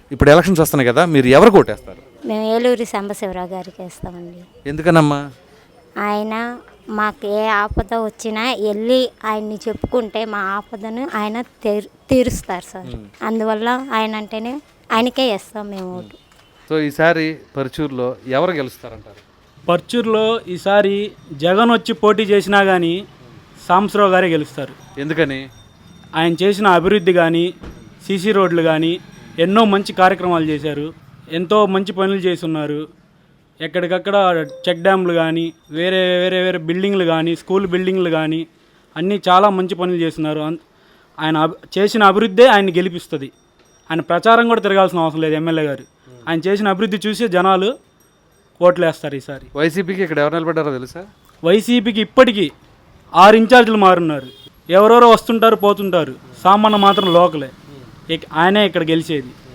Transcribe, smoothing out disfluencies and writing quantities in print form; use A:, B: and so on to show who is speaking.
A: ఇప్పుడు ఎలక్షన్స్ వస్తున్నాయి కదా, మీరు ఎవరు ఓటేస్తారు?
B: మేము ఏలూరి సాంబశివరావు గారికి వేస్తామండి.
A: ఎందుకనమ్మా?
B: ఆయన మాకు ఏ ఆపద వచ్చినా వెళ్ళి ఆయన్ని చెప్పుకుంటే మా ఆపదను ఆయన తీరుస్తారు సార్. అందువల్ల ఆయన అంటేనే ఆయనకే వేస్తాం మేము ఓటు.
A: సో ఈసారి పరుచూరులో ఎవరు గెలుస్తారంటారు?
C: పర్చూరులో ఈసారి జగన్ వచ్చి పోటీ చేసినా కానీ సాంబశివరావు గారే గెలుస్తారు.
A: ఎందుకని?
C: ఆయన చేసిన అభివృద్ధి కానీ, సీసీ రోడ్లు కానీ ఎన్నో మంచి కార్యక్రమాలు చేశారు. ఎంతో మంచి పనులు చేస్తున్నారు. ఎక్కడికక్కడ చెక్ డ్యామ్లు కానీ, వేరే వేరే వేరే బిల్డింగ్లు కానీ, స్కూల్ బిల్డింగ్లు కానీ అన్నీ చాలా మంచి పనులు చేస్తున్నారు. ఆయన చేసిన అభివృద్ధే ఆయన గెలిపిస్తుంది. ఆయన ప్రచారం కూడా తిరగాల్సిన అవసరం లేదు. ఎమ్మెల్యే గారు ఆయన చేసిన అభివృద్ధి చూసి జనాలు ఓట్లు వేస్తారు ఈసారి.
A: వైసీపీకి ఇక్కడ ఎవరు నిలబడ్డారో తెలుసా?
C: వైసీపీకి ఇప్పటికీ 6 ఇన్ఛార్జీలు మారున్నారు. ఎవరెవరో వస్తుంటారు పోతుంటారు. సామాన్య మాత్రం లోకలే. ఆయనే ఇక్కడ గెలిచేది.